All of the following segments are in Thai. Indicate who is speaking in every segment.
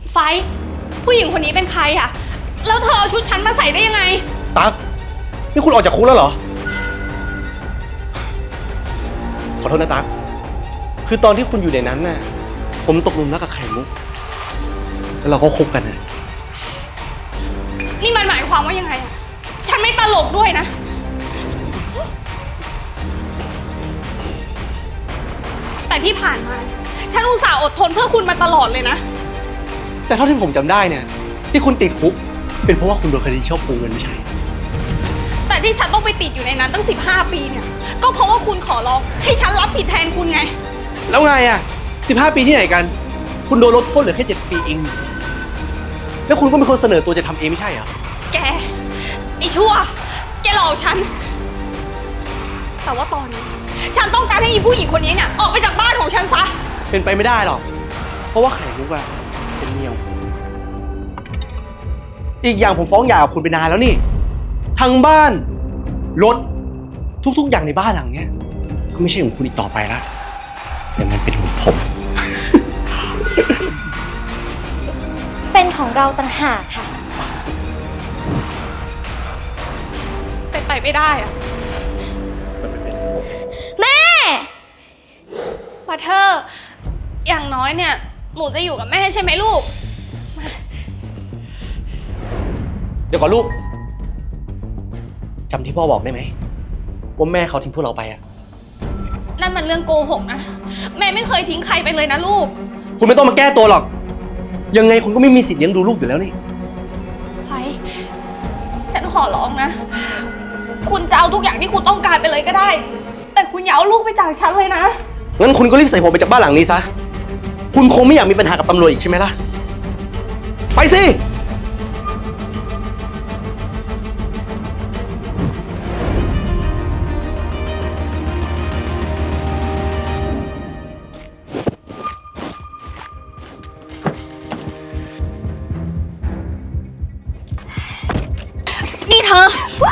Speaker 1: ไฟผู้หญิงคนนี้เป็นใครอะแล้วเธอเอาชุดฉันมาใส่ได้ยังไง
Speaker 2: ตั๊กนี่คุณออกจากคุกแล้วเหรอขอโทษนะตั๊กคือตอนที่คุณอยู่ในนั้นน่ะผมตกหลุมรักกับไข่มุกแล้วเราก็คบกันนะ
Speaker 1: นี่มันหมายความว่ายังไงอะฉันไม่ตลกด้วยนะแต่ที่ผ่านมาฉันอุตส่าห์อดทนเพื่อคุณมาตลอดเลยนะ
Speaker 2: แต่เท่าที่ผมจำได้เนี่ยที่คุณติดคุกเป็นเพราะว่าคุณโดนคดีชอบโกงเงินไม่ใช่
Speaker 1: แต่ที่ฉันต้องไปติดอยู่ในนั้นตั้ง15 ปีเนี่ยก็เพราะว่าคุณขอร้องให้ฉันรับผิดแทนคุณไง
Speaker 2: แล้วไงอ่ะ15 ปีที่ไหนกันคุณโดนลดโทษเหลือแค่7 ปีเองแล้วคุณก็เป็นคนเสนอตัวจะทำเองไม่ใช่เหรอ
Speaker 1: แกไอ้ชั่วแกหลอกฉันแต่ว่าตอนนี้ฉันต้องการให้อีผู้หญิงคนนี้เนี่ยออกไปจากบ้านของฉันซะ
Speaker 2: เป็นไปไม่ได้หรอกเพราะว่าไข่มุกอะเป็นเมียของผมอีกอย่างผมฟ้องหย่ากับคุณไปนานแล้วนี่ทั้งบ้านรถทุกๆอย่างในบ้านหลังเนี้ยก็ไม่ใช่ของคุณอีกต่อไปละแต่มันเป็นของผม
Speaker 3: เป็นของเราต่างหากค่ะ
Speaker 1: เป็นไปไม่ได้อะ
Speaker 3: แม่
Speaker 1: บัตเทอร์อย่างน้อยเนี่ยหนูจะอยู่กับแม่ใช่ไหมลูก
Speaker 2: เดี๋ยวก่อนลูกจำที่พ่อบอกได้ไหมว่าแม่เขาทิ้งพวกเราไปอะ
Speaker 1: นั่นมันเรื่องโกหกนะแม่ไม่เคยทิ้งใครไปเลยนะลูก
Speaker 2: คุณไม่ต้องมาแก้ตัวหรอกยังไงคุณก็ไม่มีสิทธิ์เลี้ยงดูลูกอยู่แล้วนี่
Speaker 1: ไฟฉันขอร้องนะคุณจะเอาทุกอย่างที่คุณต้องการไปเลยก็ได้แต่คุณอย่าเอาลูกไปจากฉันเลยนะ
Speaker 2: งั้นคุณก็รีบใส่หัวไปจากบ้านหลังนี้ซะคุณคงไม่อยากมีปัญหากับตำรวจอีกใช่ไหมล่ะไปสิ
Speaker 1: นี่เธอ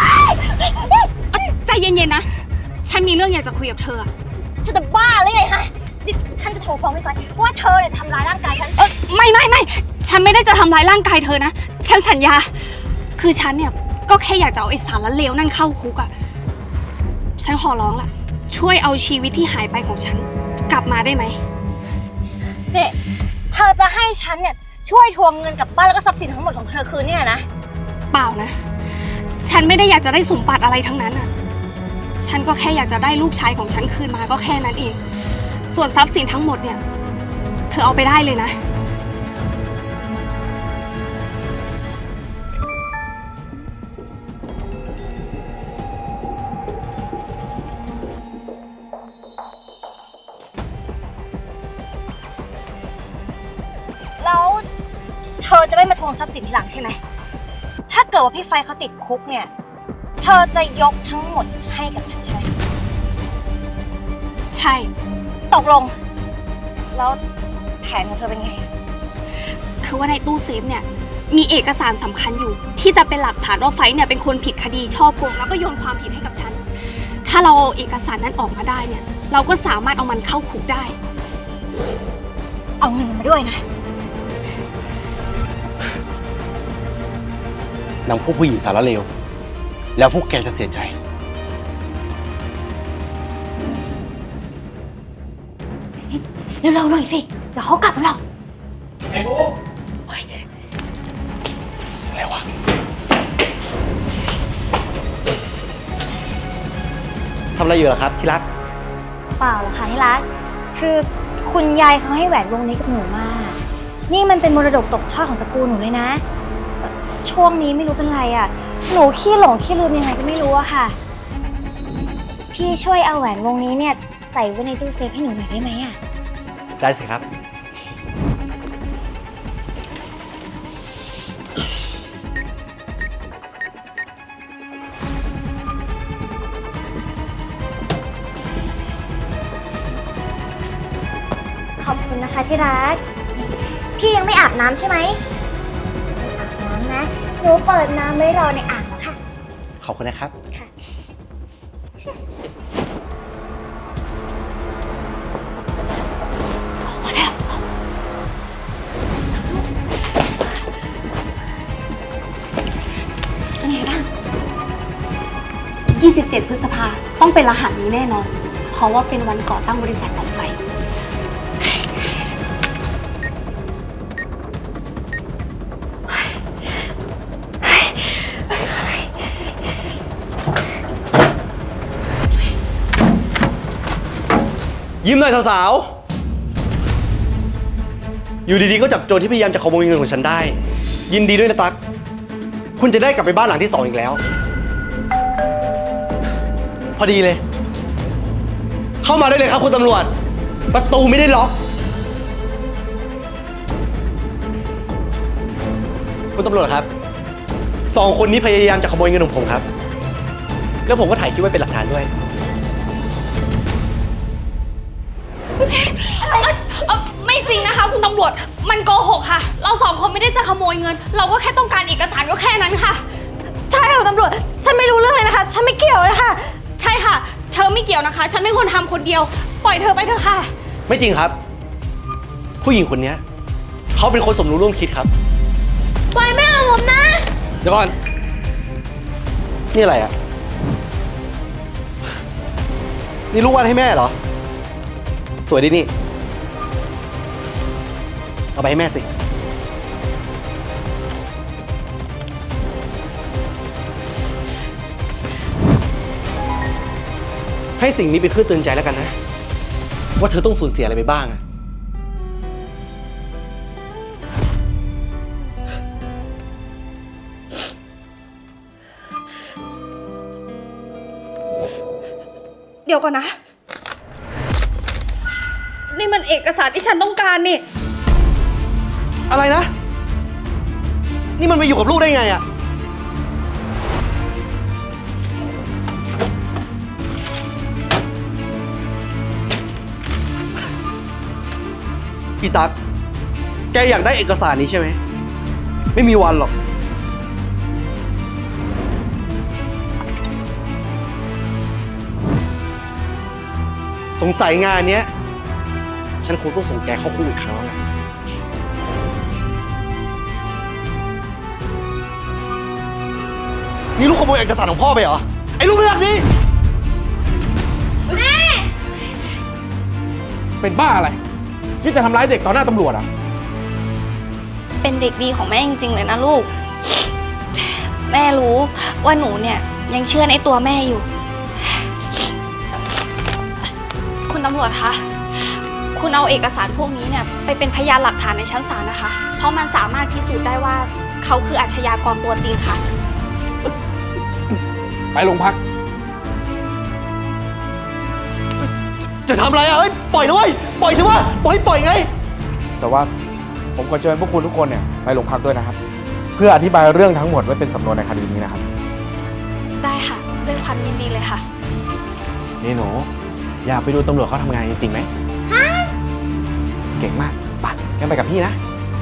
Speaker 1: ใจเย็นๆนะฉันมีเรื่องอยากจะคุยกับเธอ
Speaker 3: ฉันจะบ้าหรือไงฮะฉันจะโทรฟ้องพี่ไฟว่าเธอเนี่ยทำร้ายร่างกายฉัน
Speaker 1: ไม่ฉันไม่ได้จะทำร้ายร่างกายเธอนะฉันสัญญาคือฉันเนี่ยก็แค่อยากจะเอาไอ้สารเลวนั่นเข้าคุกอะฉันขอร้องล่ะช่วยเอาชีวิตที่หายไปของฉันกลับมาได้ไหม
Speaker 3: เด็กเธอจะให้ฉันเนี่ยช่วยทวงเงินกลับบ้านแล้วก็ทรัพย์สินทั้งหมดของเธอคืนเนี่ยนะ
Speaker 1: เปล่านะฉันไม่ได้อยากจะได้สมบัติอะไรทั้งนั้นอะฉันก็แค่อยากจะได้ลูกชายของฉันคืนมาก็แค่นั้นเองส่วนทรัพย์สินทั้งหมดเนี่ยเธอเอาไปได้เลยนะ
Speaker 3: แล้วเธอจะไม่มาทวงทรัพย์สินทีหลังใช่ไหมถ้าเกิดว่าพี่ไฟเขาติดคุกเนี่ยเธอจะยกทั้งหมดให้กับฉันใช่ไหม
Speaker 1: ใช่
Speaker 3: ตกลงแล้วแผนของเธอเป็นไง
Speaker 1: คือว่าในตู้เซฟเนี่ยมีเอกสารสำคัญอยู่ที่จะเป็นหลักฐานว่าไฟเนี่ยเป็นคนผิดคดีฉ้อโกงแล้วก็โยนความผิดให้กับฉันถ้าเราเอาเอกสารนั้นออกมาได้เนี่ยเราก็สามารถเอามันเข้าคุกได้
Speaker 3: เอาเงินมาด้วยนะ
Speaker 2: นางพวกผู้หญิงสารเลวแล้วพวกแกจะเสียใจ
Speaker 3: เร็วๆหน่อยสิเดี๋ยวเขากลับมาหรอก
Speaker 2: ไอ้บุ๊กอะไรวะทำอะไรอยู่ล่ะครับที่รัก
Speaker 3: เปล่าหรอกค่ะที่รักคือคุณยายเขาให้แหวนวงนี้กับหนูมานี่มันเป็นมรดกตกทอดของตระกูลหนูเลยนะช่วงนี้ไม่รู้เป็นไรอ่ะหนูขี้หลงขี้ลืมยังไงก็ไม่รู้อะค่ะพี่ช่วยเอาแหวนวงนี้เนี่ยใส่ไว้ในตู้เซฟให้หนูหน่อยได้ไหมอะ
Speaker 2: ได้สิครับ
Speaker 3: ขอบคุณนะคะที่รักพี่ยังไม่อาบน้ำใช่ไหมอาบน้ำนะหนูเปิดน้ำไว้รอในอ่างแล้วค่ะ
Speaker 2: ขอบคุณนะครับ
Speaker 3: ค่ะออกมาแล้ว
Speaker 1: 27 พฤษภาต้องเป็นรหัสนี้แน่นอน เพราะว่าเป็นวันก่อตั้งบริษัทของไฟ
Speaker 2: ยิ้มหน่อยสาวๆ อยู่ดีๆ ก็จับโจรที่พยายามจะขโมยเงินของฉันได้ ยินดีด้วยนะตั๊ก คุณจะได้กลับไปบ้านหลังที่ 2อีกแล้ว พอดีเลย เข้ามาได้เลยครับคุณตำรวจ ประตูไม่ได้ล็อก คุณตำรวจครับ 2 คนนี้พยายามจะขโมยเงินของผมครับ แล้วผมก็ถ่ายคลิปไว้เป็นหลักฐานด้วย
Speaker 1: ไม่จริงนะคะคุณตำรวจ มันโกหกค่ะ เราสองคนไม่ได้จะขโมยเงิน เราก็แค่ต้องการเอกสารก็แค่นั้นค่ะ
Speaker 3: ใช่ค่ะตำรวจ ฉันไม่รู้เรื่องเลยนะคะ ฉันไม่เกี่ยวนะคะ
Speaker 1: ใช่ค่ะ เธอไม่เกี่ยวนะคะ ฉันเป็นคนทำคนเดียว ปล่อยเธอไปเถอะค่ะ
Speaker 2: ไม่จริงครับ ผู้หญิงคนนี้เขาเป็นคนสมรู้ร่วมคิดครับ
Speaker 1: ปล่อยแม่ของผมนะ
Speaker 2: เดี๋ยวก่อน นี่อะไรอ่ะ นี่ลูกวาดให้แม่เหรอ สวยดีนี่ เอาไปให้แม่สิ ให้สิ่งนี้เป็นเครื่องเตือนใจแล้วกันนะ ว่าเธอต้องสูญเสียอะไรไปบ้างอะ
Speaker 1: เดี๋ยวก่อนนะ นี่มันเอกสารที่ฉันต้องการนี่
Speaker 2: อะไรนะ นี่มันไปอยู่กับลูกได้ไงอะอีตั๊กแกอยากได้เอกสารนี้ใช่ไหม ไม่มีวันหรอก สงสัยงานเนี้ย ฉันคงต้องส่งแกเข้าคุกอีกครั้งแล้วแหละนี่ลูกขโมยเอกสารของพ่อไปเหรอ ไอ้ลูกไม่รักนี่
Speaker 4: เป็นบ้าอะไรที่จะทำร้ายเด็กต่อหน้าตำรวจอ่ะ
Speaker 1: เป็นเด็กดีของแม่จริงๆเลยนะลูก แม่รู้ว่าหนูเนี่ยยังเชื่อในตัวแม่อยู่ คุณตำรวจคะ คุณเอาเอกสารพวกนี้เนี่ยไปเป็นพยานหลักฐานในชั้นศาลนะคะ เพราะมันสามารถพิสูจน์ได้ว่าเขาคืออาชญากรตัวจริงค่ะ
Speaker 4: ไปโรงพัก
Speaker 2: จะทำอะไรอ่ะเฮ้ย ปล่อยนะเว้ย ปล่อยสิวะปล่อยไง
Speaker 4: แต่ว่าผมก็เชิญพวกคุณทุกคนเนี่ยไปโรงพักด้วยนะครับ เพื่ออธิบายเรื่องทั้งหมดไว้เป็นสำนวนในคดีนี้นะครับ
Speaker 1: ได้ค่ะด้วยความยินดีเลยค่ะ
Speaker 4: นี่หนู อยากไปดูตำรวจเขาทำงานจริงๆไหมเก่งมากไปงั้นไปกับพี่นะ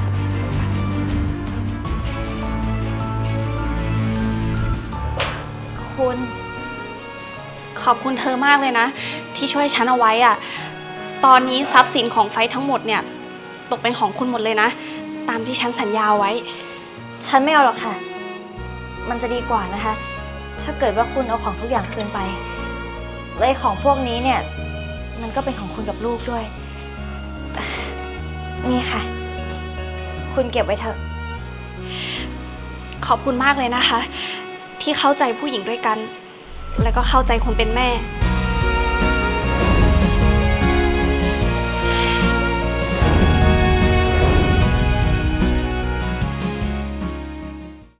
Speaker 3: คุณ
Speaker 1: ขอบคุณเธอมากเลยนะ ที่ช่วยฉันเอาไว้อะตอนนี้ทรัพย์สินของไฟทั้งหมดเนี่ยตกเป็นของคุณหมดเลยนะ ตามที่ฉันสัญญาไว้
Speaker 3: ฉันไม่เอาหรอกค่ะ มันจะดีกว่านะคะ ถ้าเกิดว่าคุณเอาของทุกอย่างคืนไปเลยของพวกนี้เนี่ย มันก็เป็นของคุณกับลูกด้วย นี่ค่ะ คุณเก็บไว้เถอะ
Speaker 1: ขอบคุณมากเลยนะคะ ที่เข้าใจผู้หญิงด้วยกัน แล้วก็เข้าใจคนเป็นแม่